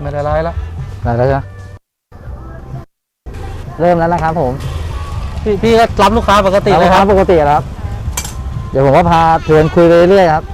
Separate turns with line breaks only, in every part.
ไม่ได้ไล่แล้ว
ได้แล้วใช่ไหมเริ่มแล้วนะครับผม
พี่ก็รับลูกค้าปกติเลยครับ
ปกติครับเดี๋ยวผมก็พาชวนคุยไปเรื่อยครับ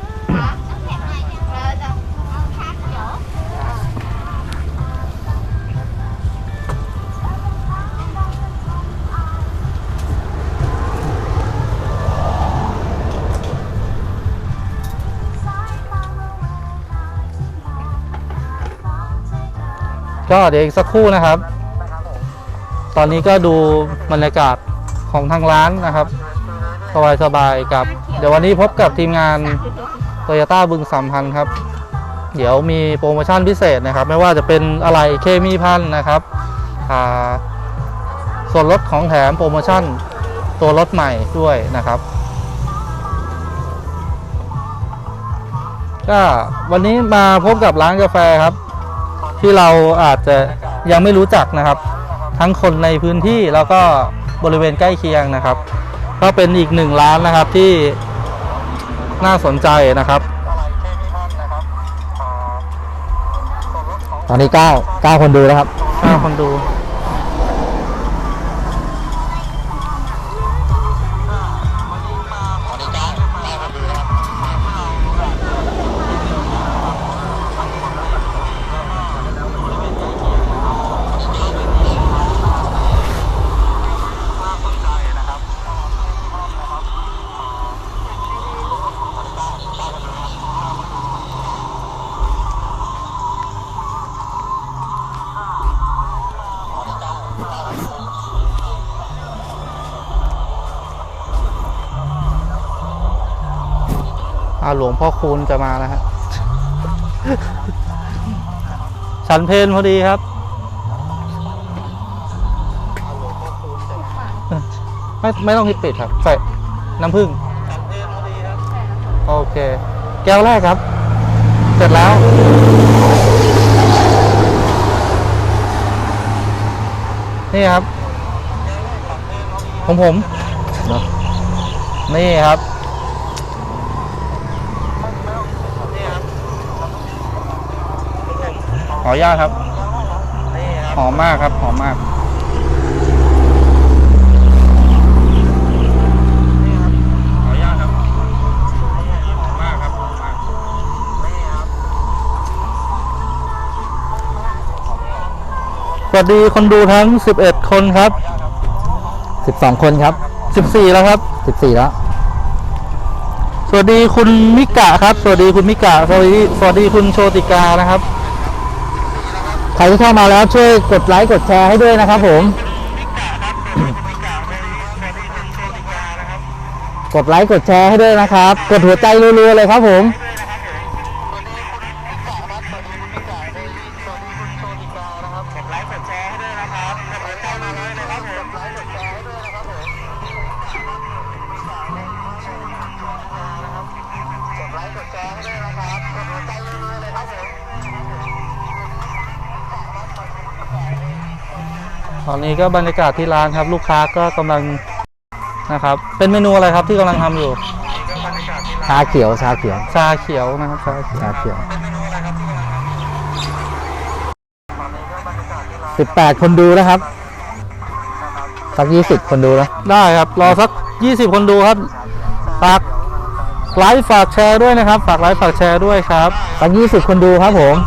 ก็เดี๋ยวอีกสักครู่นะครับตอนนี้ก็ดูบรรยากาศของทางร้านนะครับสบายๆกับเดี๋ยววันนี้พบกับทีมงาน Toyota บึงสามพันครับ เดี๋ยวมีโปรโมชั่นพิเศษนะครับไม่ว่าจะเป็นอะไรเคมีพันนะครับส่วนลดของแถมโปรโมชั่นตัวรถใหม่ด้วยนะครับก็วันนี้มาพบกับร้านกาแฟครับที่เราอาจจะยังไม่รู้จักนะครับทั้งคนในพื้นที่แล้วก็บริเวณใกล้เคียงนะครับก็เป็นอีกหนึ่งร้านนะครับที่น่าสนใจนะครับ
ตอนนี้9คนดูแล้วครับ
9คนดูหลวงพ่อคูณจะมาแล้วฮะ ฉันเพลพอดีครับไม่ต้องปิดครับใส่น้ำผึ้งโอเคแก้วแรกครับเสร็จแล้วนี่ครับของผมนี่ครับขออนุญาตครับหอมมากครับหอมมากขออนุญาตครับหอมมากครับหอมมากสวัสดีคนดูทั้ง11คนครับ
12คนครับ
14แล้วครับ
14แล้ว
สวัสดีคุณมิกะครับสวัสดีคุณมิกะสวัสดีคุณโชติกานะครับ
ใครที่เข้ามาแล้วช่วยกดไลค์กดแชร์ให้ด้วยนะครับผมกดไลค์กดแชร์ให้ด้วยนะครับกดหัวใจรัวๆเลยครับผม
ตอนนี้ก็บรรยากาศที่ร้านครับลูกค้าก็กำลังนะครับเป็นเมนูอะไรครับที่กำลังทำอยู่
ชาเขียว
นะครับชาเขียว
18คนดูนะครับสัก20คนดูแล้ว
ได้ครับรอสัก20คนดูครับฝากไลค์ฝากแชร์ด้วยนะครับฝากไลค์ฝากแชร์ด้วยครับ
สัก20คนดูครับผม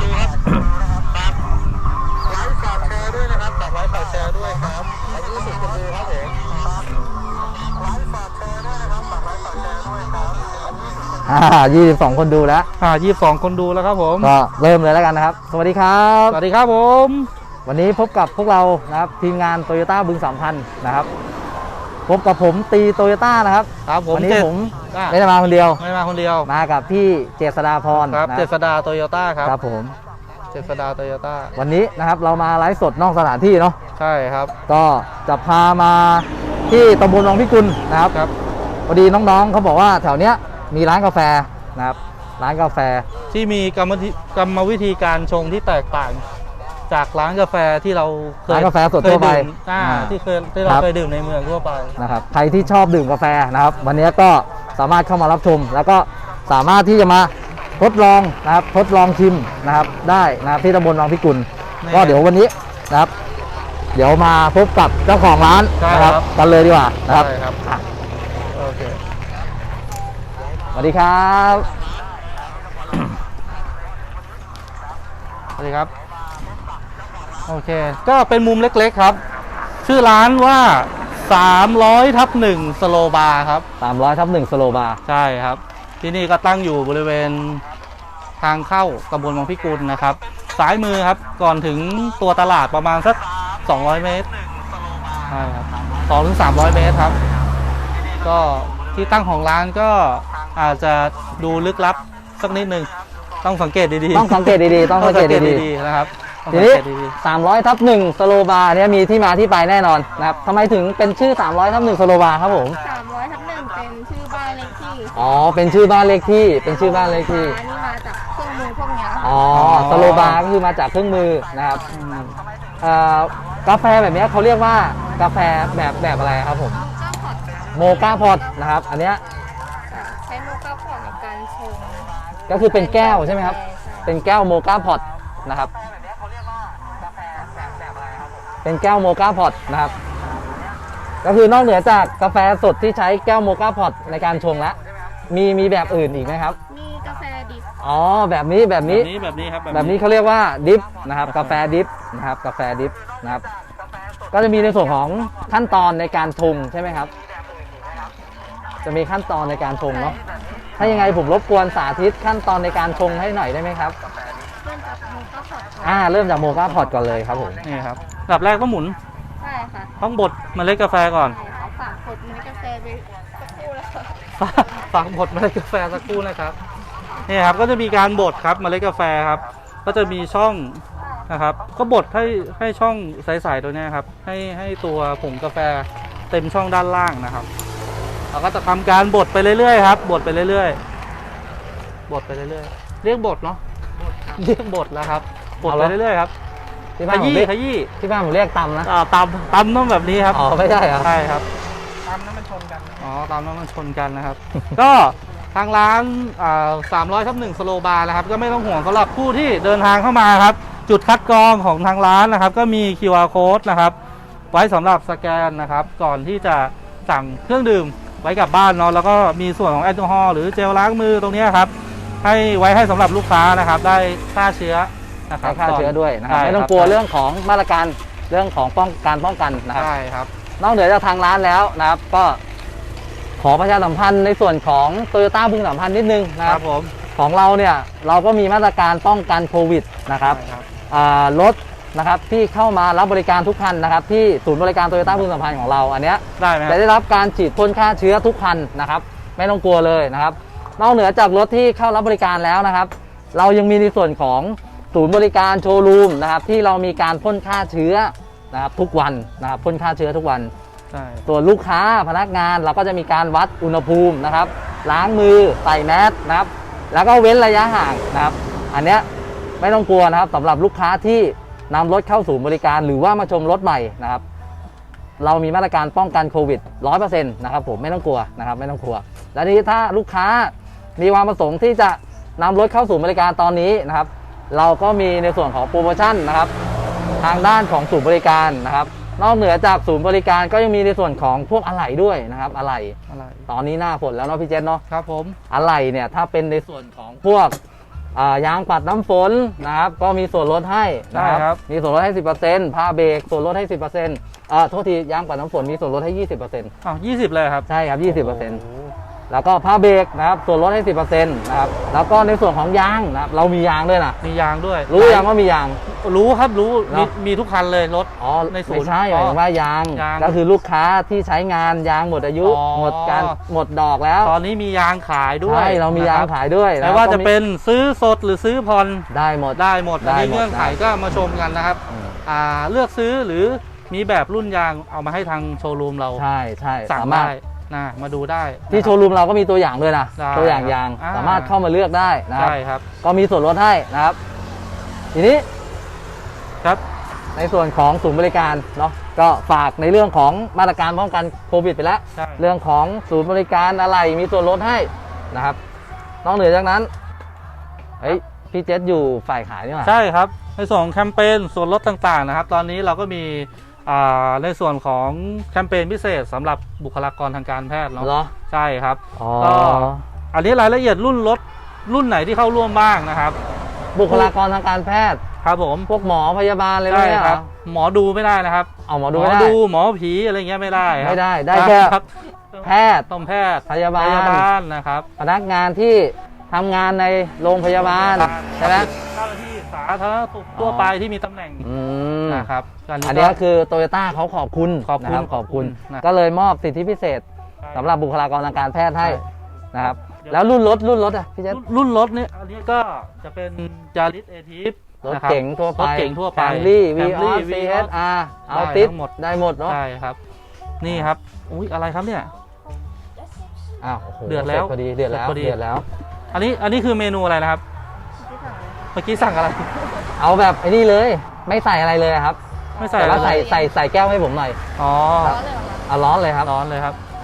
22คนดูแล้ว
22คนดูแล้วครับผม
ก็เริ่มเลยแล้วกันนะครับสวัสดีครับ
สวัสดีครับผม
วันนี้พบกับพวกเรานะครับทีมงานโตโยต้าบึงสามพันนะครับพบกับผมตีโตโยต้านะครับวันนี้ผมไม่ได้มาคนเดียวมากับพี่เจษฎาพร
ครับเจษฎาโตโยต้า
ครับผม
เจษฎาโตโยต้า
วันนี้นะครับเรามาไลฟ์สดนอกสถานที่เนาะ
ใช่ครับ
ก็จะพามาที่ตำบลวังพิกุลนะครับพอดีน้องๆเขาบอกว่าแถวเนี้ยมีร้านกาแฟนะครับร้านกาแฟ
ที่มีกรรมวิธีการชงที่แตกต่างจากร้านกาแฟที่เราเคย
ร้านกาแฟสดทั่วไป
ที่เราเคยดื่มในเมืองทั่วไป
นะครับใครที่ชอบดื่มกาแฟนะครับวันนี้ก็สามารถเข้ามารับชมแล้วก็สามารถที่จะมาทดลองนะครับทดลองชิมนะครับได้นะครับที่ตำบลวังพิกุลก็เดี๋ยววันนี้นะครับ เดี๋ยวมาพบกับเจ้าของร้านนะครับกันเลยดีกว่านะครับ
โอเค
สวัสดีครับ
สวัสดีครับโอเคก็เป็นมุมเล็กๆครับชื่อร้านว่า300/1สโลบาร์ครับ
300/1สโลบาร์
ใช่ครับที่นี่ก็ตั้งอยู่บริเวณทางเข้าตำบลวังพิกุลนะครับซ้ายมือครับก่อนถึงตัวตลาดประมาณสัก200 เมตรใช่ครับ200-300 เมตรครับก็ที่ตั้งของร้านก็อาจจะดูลึกลับสักนิดนึงต้องสังเกตดี
ๆต้องสังเกตดีๆต้องสังเกตดี
ๆนะครับ
ทีนี้300/1สโลบาร์เนี่ยมีที่มาที่ไปแน่นอนนะครับทำไมถึงเป็นชื่อ300/1สโลบาร์ครับผม
300/1เป็นชื่อบ้านเลขที่
อ๋อเป็นชื่อบ้านเลขที่เป็นชื่อบ้านเลขที่
อันนี้มาจากเครื่องมือพวกนี้
อ๋อสโลบาร์ก็คือมาจากเครื่องมือนะครับกาแฟแบบนี้เขาเรียกว่ากาแฟแบบอะไรครับผมโมกาพอตนะครับอันเนี้ย
ใช้โมกาพอตในการชง
ก็คือเป็นแก้วใช่ไหมครับเป็นแก้วโมกาพอตนะครับเป็นแก้วโมกาพอตนะครับก็คือนอกเหนือจากกาแฟสดที่ใช้แก้วโมกาพอตในการชงแล้วมีแบบอื่นอีกไหมครับ
มีกาแฟดิบ
อ๋อแบบนี้ครับแบบนี้เขาเรียกว่าดิฟนะครับกาแฟดิฟนะครับกาแฟดิฟนะครับก็จะมีในส่วนของขั้นตอนในการชงใช่ไหมครับจะมีขั้นตอนในการชงเนาะถ้ายังไงผมรบกวนสาธิตขั้นตอนในการชงให้หน่อยได้ไหมครับเริ่มจากโมกาพอตก่อนเลยครับผม
นี่ครับอันดับแรกต้องหมุน
ใช่ค่ะ
ต้องบดเมล็ดกาแฟก่อน
ฝากบดเมล็ดกาแฟไปสักครู่แล้ว
ฝากบดเมล็ดกาแฟสักครู่นะครับนี่ครับก็จะมีการบดครับเมล็ดกาแฟครับก็จะมีช่องนะครับก็บดให้ช่องใสๆตัวนี้ครับให้ตัวผงกาแฟเต็มช่องด้านล่างนะครับเราก็จะทำการบดไปเรื่อยๆครับบดไปเรื่อยๆบดไปเรื่อยๆเรียกบดเนาะเรียกบดแล้วครับบดไปเรื่อยๆครับ
ที่บ้านผมเรียกขยี้ที่บ้านผมเรียกตำนะ
ตำต้องแบบนี้ครับ
อ๋อไม่ใช่ครับ
ใช่ครับตำนั้นมันชนกันอ๋อตำนั้นมันชนกันนะครับก็ทางร้าน300/1สโลบาร์นะครับก็ไม่ต้องห่วงสำหรับผู้ที่เดินทางเข้ามาครับจุดคัดกรองของทางร้านนะครับก็มี QR Code นะครับไว้สำหรับสแกนนะครับก่อนที่จะสั่งเครื่องดื่มไว้กลับบ้านเนาะแล้วก็มีส่วนของแอลกอฮอล์หรือเจลล้างมือตรงนี้ครับให้สำหรับลูกค้านะครับได้ฆ่าเชื้อนะครับ
ฆ่าเชื้อด้วยนะครับไม่ต้องกลัวเรื่องของมาตรการเรื่องของป้องกันนะครับ
ใช่ครับ
นอกเหนือจากทางร้านแล้วนะครับก็ขอประชาสัมพันธ์ในส่วนของโตโยต้าบึงสัมพันธ์นิดนึงนะครับ
ผม
ของเราเนี่ยเราก็มีมาตรการป้องกันโควิดนะครับรถนะครับที่เข้ามารับบริการทุกคันนะครับที่ศูนย์บริการโตโยต้าบึงสัมพันธ์ของเราอันเนี้ยจะได้รับการฉีดพ่นฆ่าเชื้อทุกคันนะครับไม่ต้องกลัวเลยนะครับนอกเหนือจากรถที่เข้ารับบริการแล้วนะครับเรายังมีในส่วนของศูนย์บริการโชว์รูมนะครับที่เรามีการพ่นฆ่าเชื้อนะครับทุกวันนะครับพ่นฆ่าเชื้อทุกวันส่วนลูกค้าพนักงานเราก็จะมีการวัดอุณหภูมินะครับล้างมือใส่แมสนะครับแล้วก็เว้นระยะห่างนะครับอันเนี้ยไม่ต้องกลัวนะครับสำหรับลูกค้าที่นำรถเข้าศูนย์บริการหรือว่ามาชมรถใหม่นะครับเรามีมาตรการป้องกันโควิด 100% นะครับผมไม่ต้องกลัวนะครับไม่ต้องกลัวและนี้ถ้าลูกค้ามีความประสงค์ที่จะนำรถเข้าศูนย์บริการตอนนี้นะครับเราก็มีในส่วนของโปรโมชั่นนะครับทางด้านของศูนย์บริการนะครับนอกเหนือจากศูนย์บริการก็ยังมีในส่วนของพวกอะไหล่ด้วยนะครับอะไหล่ตอนนี้หน้าฝนแล้วเนาะพี่เจษเนาะ
ครับผม
อะไหล่เนี่ยถ้าเป็นในส่วนของพวกยางปัดน้ำฝนนะครับก็มีส่วนลดให้นะครับมีส่วนลดให้ 10% ผ้าเบรกส่วนลดให้ 10%โทษทียางปัดน้ำฝนมีส่วนลดให้ 20%
20เลยครับ
ใช่ครับ 20%แล้วก็ผ้าเบรกนะครับส่วนลดให้ 10% นะครับแล้วก็ในส่วนของยางนะครับเรามียางด้วยนะ
มียางด้วย
รู้ยังว่ามียาง
รู้ครับรู้มีทุกคันเลยรถ
ในศูนย์ไม่ใช่หมายถึงว่ายางก็คือลูกค้าที่ใช้งานยางหมดอายุหมดดอกแล้ว
ตอนนี้มียางขายด้วย
ใช่เรามียางขายด้วย
ไม่ว่าจะเป็นซื้อสดหรือซื้อผ่อน
ได้หมด
อันนี้เงื่อนไขก็มาชมกันนะครับเลือกซื้อหรือมีแบบรุ่นยางเอามาให้ทางโชว์รูมเรา
ใช่
สามารถมาดูได้
ที่โชว์รูมเราก็มีตัวอย่างด้วยนะตัวอย่างยางสามารถเข้ามาเลือกได้นะครับ
ใช่ครับ
ก็มีส่วนลดให้นะครับทีนี้
ครับ
ในส่วนของศูนย์บริการเนาะก็ฝากในเรื่องของมาตรการป้องกันโควิดไปแล้วเรื่องของศูนย์บริการอะไรมีส่วนลดให้นะครับนอกเหนือจากนั้นเฮ้ยพี่เจษอยู่ฝ่ายขายนี่หว่า
ใช่ครับในส่วนของแคมเปญส่วนลดต่างๆนะครับตอนนี้เราก็มีในส่วนของแคมเปญพิเศษสำหรับบุคลากรทางการแพทย์เนาะ
เหรอ
ใช่ครับ
อ๋อ
ก็อันนี้รายละเอียดรุ่นรถรุ่นไหนที่เข้าร่วมบ้างนะครับ
บุคลากรทางการแพทย์
ครับผม
พวกหมอพยาบาลอะไรพว
ใช่
กเนี้ย
ค
เหร
รั
อบ
หมอดูไม่ได้นะครับ
เอาหมอดูไม่ได้
หมอผีอะไรเงี้ยไม่ได้ครับ
ไม่ได้ได้แค่
ครับ
แพทย์
ต้องแพทย์
พยาบาล
นะครับ
พนักงานที่ทำงานในโรงพยาบาลใช่ไหม
เจ้าหน้าที่สาธารณสุขทั่วไปที่มีตำแหน่ง
อืม
นะครับ
อันนี้ก็คือโตโยต้าเขาขอบคุณ
ขอบคุณ
นะรัขอบคุณ
นะ
ก็เลยมอบสิทธิพิเศษสำหรับบุคลากรทางการแพทย์ให้นะครับ แล้วรุ่นรถอ่ะพี่เจษ
รุ่นรถเนี่ยอันนี้ก็จะเป็นจาริสเอทีฟ
รถเก๋งทั่วไป
รถเก๋งทั่วไป
แคมรี่วีออ
Camry
สซีเอ
Vios
สอาร์เอา
ได้
ติด
ทั้งหมด
ได้หมดเนาะ
ใช่ครับ นี่ครับอุ้ยอะไรครับเนี่ย
อ้าวโอ้โห
เดือดแล้ว
สร็จพอดีเดือดแล้ว
เสร็จพอดี
เดือดแล้ว
อันนี้คือเมนูอะไรนะครับ เมื่อกี้สั่งอะไร
เอาแบบไอ้นี่เลยไม่ใส่อะไรเลยครับ
ไม่ใส่
แต่ว่า
อะไร
ใส่แก้วให้ผมหน่อย
อ๋อ
ร้อนเลยเหรอคะ
เอาร้อนเลยครับ
ร้อนเลยครับ
ใช่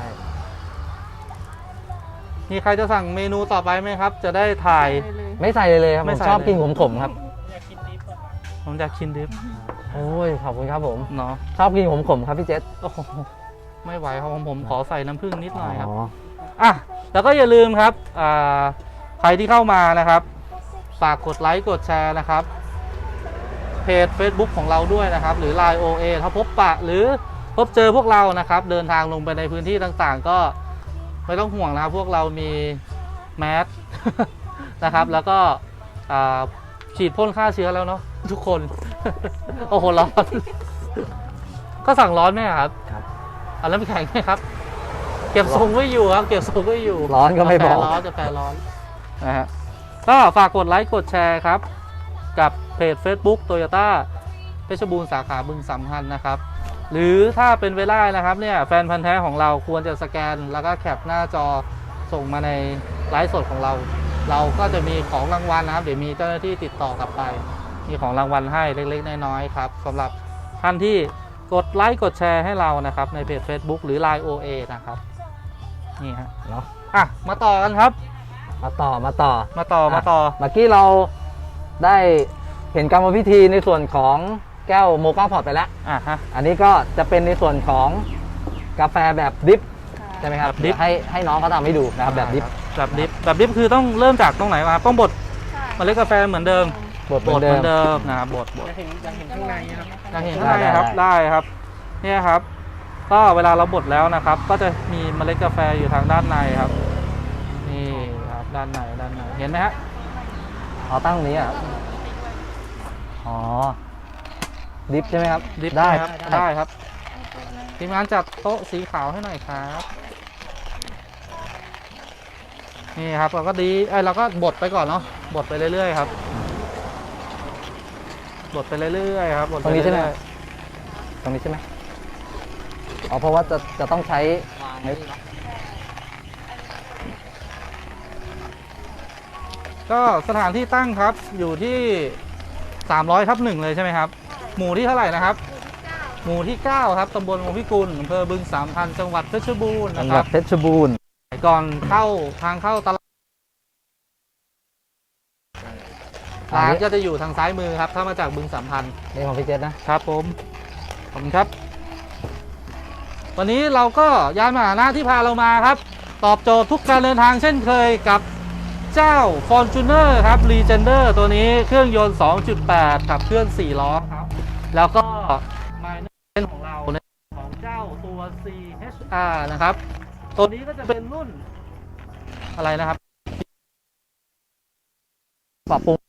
มีใครจะสั่งเมนูต่อไปไหมครับ จะได้ถ่าย
เลย
ไม่ใส่เลยครับ
ไม่
ผม
ใส่
ชอบ
เลย
กินขมๆครับ
ผมอยากกินดิฟ
โอ้ยขอบคุณครับผม
เนาะ
ชอบกินขมๆครับพี่เจษ
โอ้โหไม่ไหวครับผมขอใส่น้ำผึ้งนิดหน่อยครับ
อ๋อ
อ่ะแล้วก็อย่าลืมครับใครที่เข้ามานะครับฝากกดไลค์กดแชร์นะครับเพจ Facebook ของเราด้วยนะครับหรือ Line OA ถ้าพบปะหรือพบเจอพวกเรานะครับเดินทางลงไปในพื้นที่ต่างๆ ก็ไม่ต้องห่วงนะครับพวกเรามีแมส นะครับแล้วก็ฉีดพ่นฆ่าเชื้อแล้วเนาะทุกคน โอ้โหร้อน ก็สั่งร้อนไหมครับ
ครับ
เอาแล้วไม่แข็งไหมครับ เก็บทรงไว้อยู่ครับ เก็บทรงไว้อยู่
ร้อนก็ไม่บอก
กาแฟร้อนนะฮะก็ฝากกดไลค์กดแชร์ครับ กับเพจ Facebook Toyota เพชรบูรณ์สาขาบึงสามพันธ์นะครับ หรือถ้าเป็นเวลานะครับเนี่ยแฟนพันธ์แท้ของเราควรจะสแกนแล้วก็แคปหน้าจอส่งมาในไลฟ์สดของเรา เราก็จะมีของรางวัลนะครับ เดี๋ยวมีเจ้าหน้าที่ติดต่อกลับไป มีของรางวัลให้เล็กๆน้อยๆครับสำหรับท่านที่กดไลค์กดแชร์ให้เรานะครับในเพจ Facebook หรือ Line OA นะครับนี่ฮะ
เนาะ
อ่ะมาต่อกันครับ
มาต่อ
มาต่อ
เมื่อกี้เราได้เห็นกรรมวิธีในส่วนของแก้วโมกาพอร์ตไปแล้ว
อ่ะฮะ
อันนี้ก็จะเป็นในส่วนของกาแฟแบบดริปใช่ไหมครับ
แบบดริป
ให้น้องเขาทำให้ดูนะครับแบบดริป
แบบดิฟคือต้องเริ่มจากตรงไหนมาต้องบด
ใช่
เมล็ดกาแฟเหมือนเดิม
บดเหมือนเดิม
นะครับบด
จะเห็นข้างในครับ
อยากเห็นข้างในครับได้ครับเนี่ยครับ ก็เวลาเราบดแล้วนะครับ ก็จะมีเมล็ดกาแฟอยู่ทางด้านในครับนี่ครับด้านในเห็นไหมฮะ
อ๋อตั้งตรงนี้อ่ะอ๋อดริปใช่ไหมครับ
ดิฟ
ได้
ครับได้ครับทีมงานจัดโต๊ะสีขาวให้หน่อยครับนี่ครับเราก็เราก็บดไปก่อนเนาะบดไปเรื่อยๆครับบดไปเรื่อยๆครับบด
ต
ไป
รงนี้ใช่ไหม
เรื่อย
ตรงนี้ใช่ไหมอ๋อเพราะว่าจะต้องใช้ใน
ๆก็สถานที่ตั้งครับอยู่ที่300/1เลยใช่ไหมครับหมู่ที่เท่าไหร่นะครับ หมู่ที่ 9 ครับตำบลวงพิกุลอำเภอบึงสามพันธุ์จังหวัดเพชรบูรณ์
จั
นะ
ง
ค
หวั
รั
ด
บ
เพชรบูรณ์
ก่อนเข้าทางเข้าตลาดร้านก็จะอยู่ทางซ้ายมือครับถ้ามาจากบึงสามพันธุ์
นี่ของพี่เจษนะครับ
ผมขอบคุณครับ วันนี้เราก็ยานพาหนะที่พาเรามาครับ ตอบโจทย์ทุกการเดินทางเช่นเคยกับเจ้า Fortuner ครับ Legender ตัวนี้เครื่องยนต์ 2.8 ขับเคลื่อน 4 ล้อครับ แล้วก็ Minor ของเราในของเจ้าตัว CHR นะครับ ตัวนี้ก็จะเป็นรุ่นอะไรนะครับ
ปรับปรุง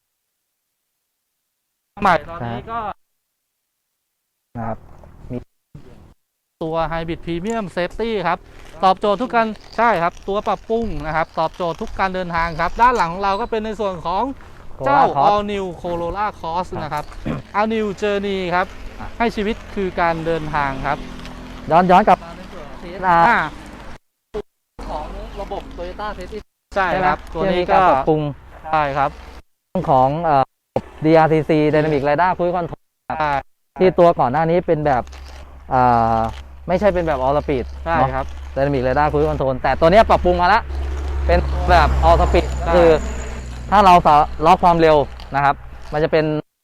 ใหม่ตอนนี้ก็
นะครับ
ตัว Hybrid Premium Safety ครับ ตอบโจทย์ทุกการใช่ครับ ตัวปรับปรุงนะครับ ตอบโจทย์ทุกการเดินทางครับ ด้านหลังของเราก็เป็นในส่วนของเจ้า All New Corolla Cross นะครับ All New Journey ครับ ให้ชีวิตคือการเดินทางครับ
ย้อนกลับ
ในส่วนของ
CSR
ของระบบ Toyota Safety ใช่
ใช่ไหม
ครับ ตัวนี้
ที่มี
ก็
การปรับปรุง
ใช่ครับ
เรื่องของDRTC Dynamic Radar Cruise Control
ใช่
ที่ตัวก่อนหน้านี้เป็นแบบไม่ใช่เป็นแบบ All Speed
ใช่ครับ
Dynamic Radar Cruise Control แต่ตัวเนี้ยปรับปรุงมาแล้วเป็นแบบ All Speed
ใช่
คือถ้าเราล็อกความเร็วนะครับ มันจะเป็น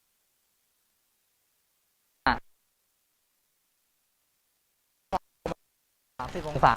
30 องศา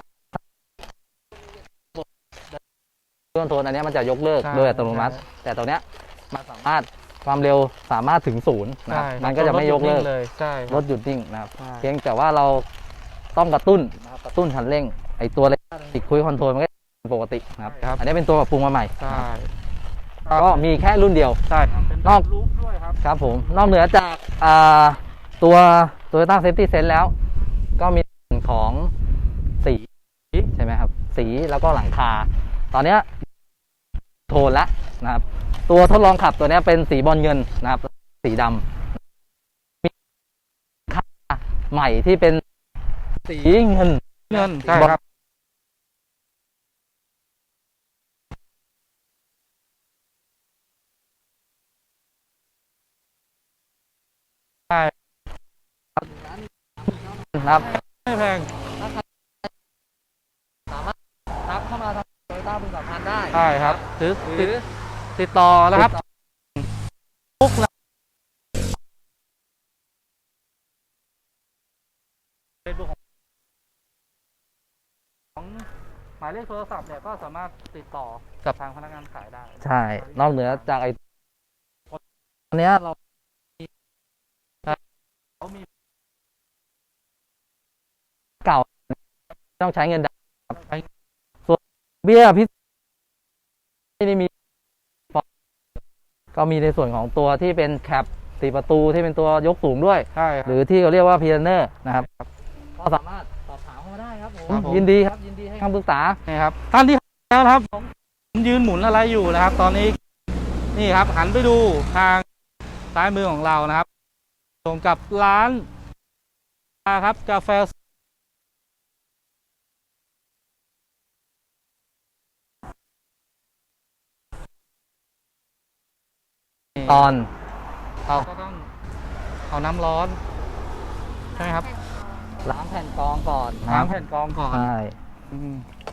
เครื่องโทนอันนี้มันจะยกเลิกโดยอัตโนมัติ แต่ตัวเนี้ยมันสามารถความเร็วสามารถถึงศูนย์นะครับมันก็จะไม่ยกเลิก
ใช่
รถหยุดนิ่งนะครับ
ใช่
เพียงแต่ว่าเราต้องกระตุ้นนะครับกระตุ้นคันเร่งไอตัวเล็กติดคุยคอนโทรลมันก็เป็นปกตินะครับอันนี้เป็นตัวปรับปรุงมาใหม่
ใช่
ก็มีแค่รุ่นเดียว
ใช่ครับเป็น
นอก
รูปด้วยครับ
ครับผมนอกเหนือจากตัว Toyota Safety Sense แล้ว ก็มีส่วนของสีใช่ไหมครับสีแล้วก็หลังคาตอนเนี้ยโทนละนะครับตัวทดลองขับตัวเนี้ยเป็นสีบอลเงินนะครับสีดำมีคาใหม่ที่เป็นสีเงิน
ใช่ครับ ใช่
นะครับ
ไม่แพง
ทักเข้ามาทางโตโยต้าบึงสัมพันธ์ได้
ใช่ครับหรือ
หรือ
ติดต่อนะครับทุกเฟซบุ๊กของหมายเลขโทรศัพท์เนี่ยก็สามารถติดต่อกับทางพนักงานขายได้
ใช่นอกเหนือจากไอ้อันเนี้ยเรา
เขามี
เก่าต้องใช้เงินดาวน์ครับส่วนเบี้ยพิเศษไม่ได้มีก็มีในส่วนของตัวที่เป็นแคป4 ประตูที่เป็นตัวยกสูงด้วย
ใช่ครับ
หรือที่เขาเรียกว่าพีเนอร์นะครับก็สามารถสอบถามเข้ามาได้ครับผม
ครับผม
ยินดีครับยินดีให้คำปรึกษา
นี่ครับท่านที่แล้วนะครับผมยืนหมุนอะไรอยู่นะครับ ตอนนี้นี่ครับหันไปดูทางซ้ายมือของเรานะครับตรงกับร้านครับกาแฟ
ตอน
เราก็ต้องเอาน้ำร้อนใช่ไหมครับ
ล้างแผ่นกรองก่อนนะครับ
น้ำแผ่นกรองก่อน
ใช่
อืม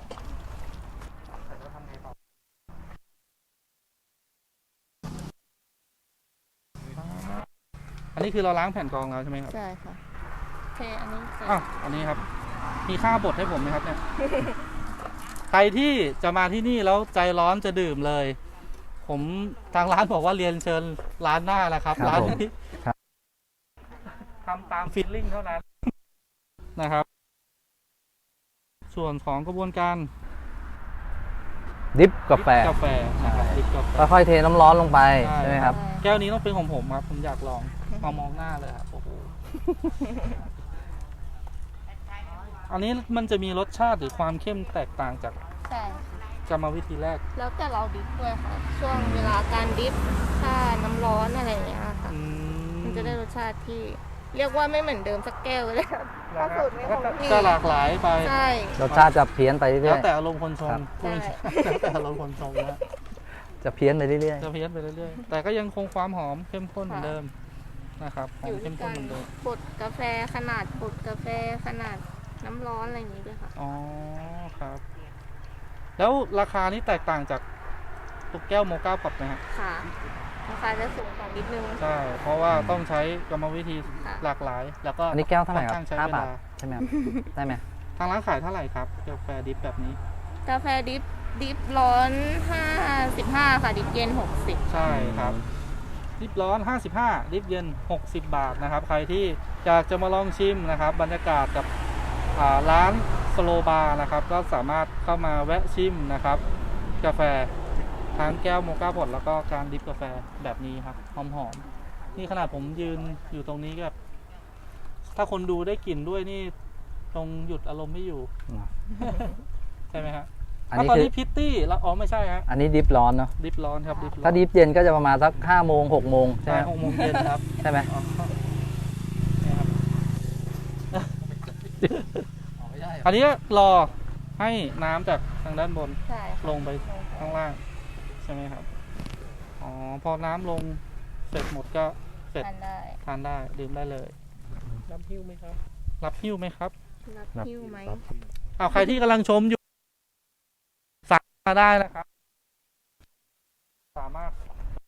อันนี้คือเราล้างแผ่นกรองแล้วใช่ไหมครับ
ใช่ค่ะเทอันนี้ใส่
อ้าวอันนี้ครับ มีค่าบดให้ผมไหมครับเนี่ย ใครที่จะมาที่นี่แล้วใจร้อนจะดื่มเลย ผมทางร้านบอกว่าเรียนเชิญร้านหน้านะครับ ร้านนี้ทำตามฟีลลิ่งเท่านั้น นะครับ ส่วนของกระบวนการ
ดิฟกาแฟ
กาแฟนะครับดริปกาแฟ
ค่อยๆเทน้ำร้อนลงไป
ใช่
ใช่ไหมครับ
แก้วนี้ต้องเป็นของผมครับ ผมอยากลองมองหน้าเลยครับโอ้โห อันนี้มันจะมีรสชาติหรือความเข้มแตกต่างจาก
ใช่ค่ะ
กรรมวิธีแรก
แล้วแต่เราดิฟด้วยค่ะ ช่วงเวลาการดิฟถ้าน้ำร้อนอะไรอย่างเงี้ยค่ะ มันจะได้รสชาติที่เรียกว่าไม่เหมือนเดิมสักแก้วเลยครับถ้าสูตรไม่คงที่
ก็หลากหลายไป
ใช่
รสชาติจะเพี้ยนไปเรื่
แล้
อ
วย แต่อารมณ์คนชง
ครับ
พูดไม่ใช่แล้วแต่อารมณ์คนชงนะ
ๆจะเพี้ยนไปเรื่อย
จะเพี้ยนไปเรื่อยๆ แต่ก็ยังคงความหอมเข้มข้นเหมือนเดิมนะครับหอ
อ
ม
ยู่
เข้
ที่
มข้
กาน ร
เหมือนเดิม
บดกาแฟขนาดบดกาแฟขนาดน้ำร้อนอะไรอย่างงี้ด้วยค่ะ
อ๋อครับ แล้วราคานี้แตกต่างจากตุกแก้วโมก้าพอตไหมฮะ
ค่ะราคาจะสูงกว่านิดนึง
ใช่ เพราะว่าต้องใช้กรรมวิธี
ค่ะ
หลากหลาย แล้วก็
ๆอันนี้แก้วเท่าไหร่ค
ค่
รั
อนข้างใช้
บ
เว
5 บา
ลา
ทใช่ไหมครับได้ไหม
ทางร้านขายเท่าไหร่ครับกาแฟดิฟแบบนี้
กาแฟดิฟร้อน55ค่ะดิฟเย็น60
ใช่ครับดิฟร้อน 55ดิฟเย็น 60 บาทนะครับ ใครที่อยากจะมาลองชิมนะครับ บรรยากาศกับร้านสโลบาร์นะครับ ก็สามารถเข้ามาแวะชิมนะครับ กาแฟทั้งแก้วโมก้าพอตแล้วก็การดิฟกาแฟแบบนี้ครับหอมๆนี่ขนาดผมยืนอยู่ตรงนี้แบบถ้าคนดูได้กลิ่นด้วยนี่ตรงหยุดอารมณ์ไม่อยู่ ใช่ไหมฮะ
อัน
แล้ว
นี้
ตอน
คือ
นี้พิตตี้แล้วอ๋อไม่ใช่ฮะ
อันนี้ดิฟร้อนเนาะ
ดิฟร้อนครับดิฟร้อน
ถ้าดิฟเย็นก็จะประมาณสัก5 โมง 6 โมงใช่
ใช่
ไหม
6 โมงเย็นครับ
ใช่ไหม
อ๋อเนี่ยครับอันนี้รอให้น้ำจากทางด้านบน
ใช่ค่ะ
ลงไปข้างล่าง ใช่ไหมครับ อ๋อ พอน้ำลงเสร็จหมดก็เสร็จ
ทานได้
ทานได้ดื่มได้เลย รับหิ้วไหมครับ รับหิ้วไหมครับ
รับหิ้วไหม
ใครที่กำลังชมอยู่สั่งมาได้นะครับสามารถ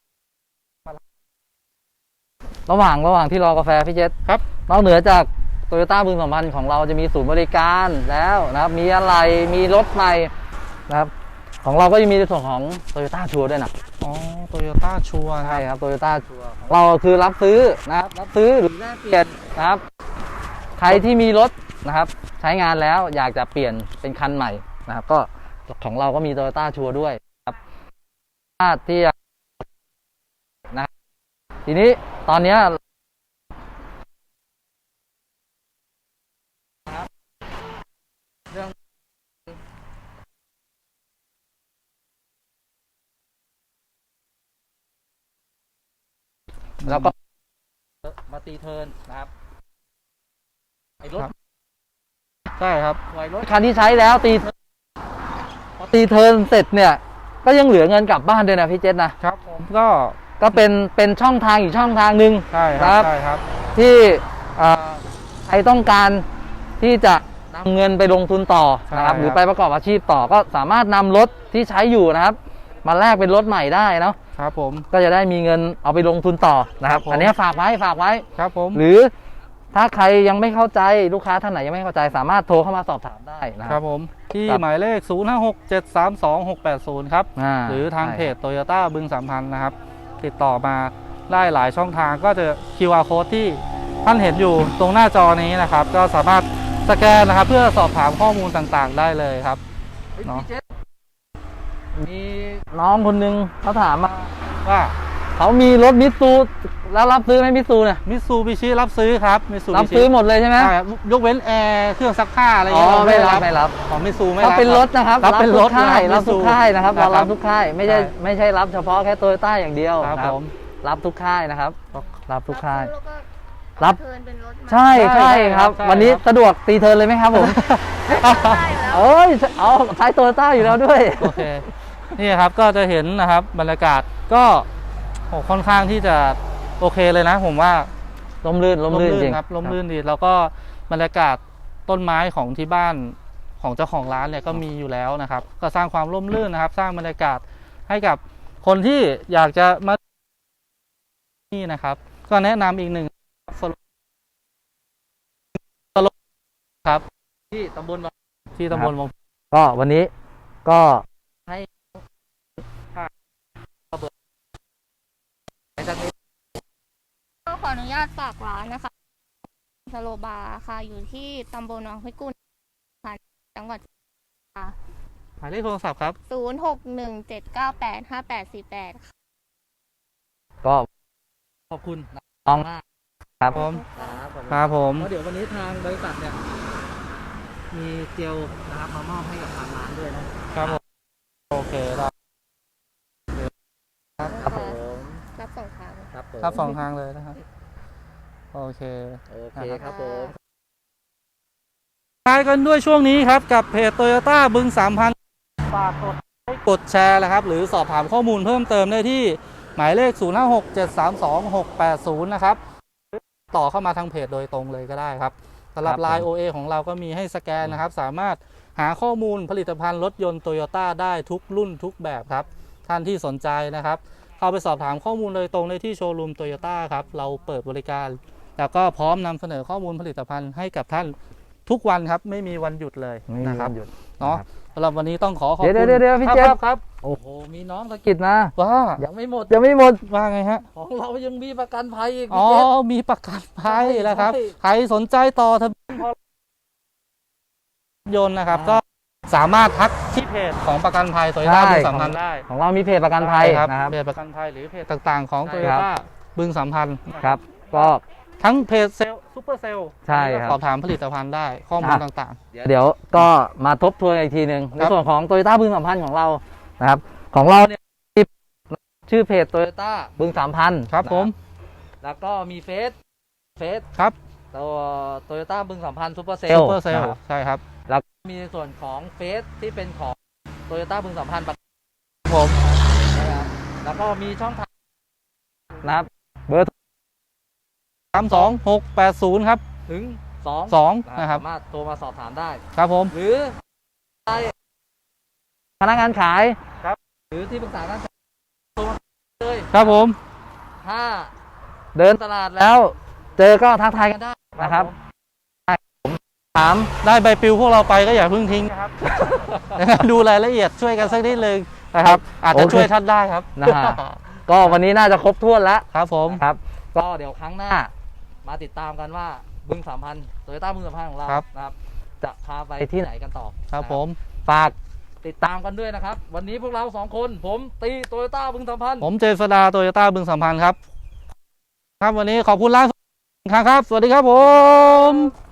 ระหว่างที่รอกาแฟพี่เจษ
ครับ
นอกเหนือจากโตโยต้าบึงสัมพันธ์ของเราจะมีศูนย์บริการแล้วนะครับมีอะไรมีรถใหม่นะครับของเราก็ยังมีในส่วนของโตโยต้าชัวร์ด้วยนะ
อ๋อโตโยต้าชัวร์
ใช่ครับโตโยต้าชัวร์เราคือรับซื้อนะครับรับซื้อหรือแลกเปลี่ยนนะครับใครที่มีรถนะครับใช้งานแล้วอยากจะเปลี่ยนเป็นคันใหม่นะครับก็ของเราก็มีโตโยต้าชัวร์ด้วยครับที่นะครับทีนี้ตอนนี้เรื่องแล้วก็มาตีเทิร์นนะครับไอ้รถ
ใช่ครับ
ไอ้รถคันที่ใช้แล้วตีพอตีเทิร์นเสร็จเนี่ยก็ยังเหลือเงินกลับบ้านด้วยนะพี่เจษนะครับ
ผมก็
เป็นช่องทางอีกช่องทางหนึ่ง
ใช่ครับใช่ครับ
ที่ใครต้องการที่จะนำเงินไปลงทุนต่อนะครับ
ใช่ครับ
หรือไปประกอบอาชีพต่อก็สามารถนำรถที่ใช้อยู่นะครับมาแลกเป็นรถใหม่ได้เนาะ
ครับผม
ก็จะได้มีเงินเอาไปลงทุนต่อนะครับ
ครับผม
อันนี้ฝากไว้
ครับผม
หรือถ้าใครยังไม่เข้าใจลูกค้าท่านไหนยังไม่เข้าใจสามารถโทรเข้ามาสอบถามได้นะค
ค
รั
รั
บบ
ผมที่
ครับ
หมายเลข 0567326680 ครับ หรือทางเพจโตโยต้าบึงสัมพันธ์นะครับ ติดต่อมาได้หลายช่องทางก็จะ QR code ที่ท่านเห็นอยู่ตรงหน้าจอนี้นะครับ ก็สามารถสแกนนะครับ เพื่อสอบถามข้อมูลต่างๆ ได้เลยครับ เนาะ
มีน้องคนหนึงเขาถามมา
ว่า
เขามีรถมิตซูแล้วรับซื้อไหมมิตซูเนี่ย
มิตซูบิชิรับซื้อครับมิตซู
รับซื้อหมดเลยใช่ไหม
ใช่ครับยกเว้นแอร์เครื่องซักผ้าอะไร
อ๋อ
เงี้ยเรา
ไม่รับ
ของมิตซูไม่
เขา
รับ
เป็นรถนะครับ
รับเป็นรถ
ทุกค่าย
นะ
รับทุกค่ายนะครับ
มิตซู
เรารับทุกค่ายไม่ใช่
ใช่
ไม่ใช่รับเฉพาะแค่โตโยต้าอย่างเดียว
ครับ
นะ
ผม
รับทุกค่ายนะครับ รับทุกค่าย
แล้วก็
รับ
เทิร์นเป็นรถมา
ใช่ใช่ครับ
ใช่
วันนี้
ครับ
สะดวกตีเทิร์นเลยไหมครับผม
ได้แล้ว
เอ้ยเอาใช้โตโยต้าอยู่แล้วด้วย
โอเค นี่ครับก็จะเห็นนะครับบรรยากาศก็โอ้ค่อนข้างที่จะโอเคเลยนะ ผมว่า
ลมลื่นจริง
ครับร่มรื่นดีแล้วก็บรรยากาศต้นไม้ของที่บ้านของเจ้าของร้านเนี่ยก็มีอยู่แล้วนะครับ ก็สร้างความร่มรื่นนะครับ สร้างบรรยากาศให้กับคนที่อยากจะมานี่นะครับ ก็แนะนำอีกหนึ่งครับ
ที่ตำบล
ที่ตำบลวง
ก็วันนี้ก็ให้
ก็ขออนุญาตฝากร้านนะคะสโลบาร์ค่ะอยู่ที่ตำบลหนองห้วยกุนค่ะจังหวัด
หมายเลขโทรศัพท์ครับ
0617985848ค่ะ
ก็ขอบคุณน้องมากครับ
ผม
ครับ
ครับผม
เดี๋ยววันนี้ทางบริษัทเนี่ยมีเจลนะครับมามอบให้กับทางร้านด้วยนะครับ
ผมโอเคได้
ครับผม
รับส่งทาง
ครับผม
ครับสองทางเลยนะครับโอเค
โอเคครับผม
ท้ายกันด้วยช่วงนี้ครับกับเพจโตโยต้าบึง3,000ฝากกดไลค์กดแชร์นะครับหรือสอบถามข้อมูลเพิ่มเติมได้ที่หมายเลข 0567326680 นะครับต่อเข้ามาทางเพจโดยตรงเลยก็ได้ครับสำหรับ Line OA ของเราก็มีให้สแกนนะครับสามารถหาข้อมูลผลิตภัณฑ์รถยนต์โตโยต้าได้ทุกรุ่นทุกแบบครับท่านที่สนใจนะครับเข้าไปสอบถามข้อมูลโดยตรงได้ที่โชว์รูมโตโยต้าครับเราเปิดบริการ แล้วก็พร้อมนำเสนอข้อมูลผลิตภัณฑ์ให้กับท่านทุกวันครับไม่มีวันหยุดเลย
ไม่มี
นะครั
วั
บ
นหยุด
เนาะ
ครับ
สำหรับวันนี้ต้องขอขอบ
เดี๋
คุ
ยว
ณ
เดี๋ยวพี่
ครับ
เจษ
ครับ
โอ้โหมีน้องสะกิดนะ
ว่า
ยังไม่หมด
ว่าไงฮะ
ของเรายังมีประกันภัยอีก
อ๋อ
พี่เจษ
มีประกันภัยแล้วครับ
ใช่
ใครสนใจต่อทะเบียนยนต์นะครับ ก็สามารถทักที่เพจของประกันภัยโตโยต้าบึงสัมพันธ์ได้
ของเรามีเพจประกันภัย
ครับ
นะครับ
เพจประกันภัยหรือเพจต่างๆของ
ใช่
โต
ค
โย
รับ
ต้าบึงสัมพันธ์
ครับ ก็
ทั้งเพจเซลซูเปอร์เซล
ใช่ครับ
สอบถามผลิตภัณฑ์ได้ข้อมูลต่าง
เดี๋ยวก็มาทบทวนอีกทีหนึ่งในส่วนของโตโยต้าบึงสัมพันธ์ของเรานะครับของเราเนี่ยมีชื่อเพจโตโยต้าบึง3,000
ๆ ครับผม
แล้วก็มีเฟซ
ครับ
ตัวโตโยต้าบึง3,000ซูเปอร์เซล
ซูเปอร์เซลใช่ครับ
แล้วก็มีในส่วนของเฟซที่เป็นของโตโยต้าบึง3,000ประกัน
ผม
นะครับแล้วก็มีช่องทางนะครับเบอร์
32680 ครับ
ถึง
2 นะครับ
สามารถโทรมาสอบถามได้
ครับผม
หรือพนักงานขาย
ครับ
หรือที่ปรึกษาด้าน
ครับผม
ถ้าเดินตลาดแล้ว เจอก็ทักทายกันได้นะครับผมถาม
ได้ใบปลิวพวกเราไปก็อย่าเพิ่งทิ้งนะครับ ดูรายละเอียดช่วยกันสักนิดนึงนะครับ อาจจะช่วยท่านได้ครับ
นะฮะก็วันนี้น่าจะครบถ้วนแล้ว
ครับผม
ครับ ก็เดี๋ยวครั้งหน้า มาติดตามกันว่าบึง3,000 โตโยต้าบึง3,000ของเรานะครับ จะพาไปที่ไหนกันต่อ
ครับผม
ฝากติดตามกันด้วยนะครับ วันนี้พวกเรา2คนผมตีโตโยต้าบึง3,000
ผมเจษดาโตโยต้าบึงสัมพันธ์ครับ ครับวันนี้ขอบคุณร้านครับ สวัสดีครับผม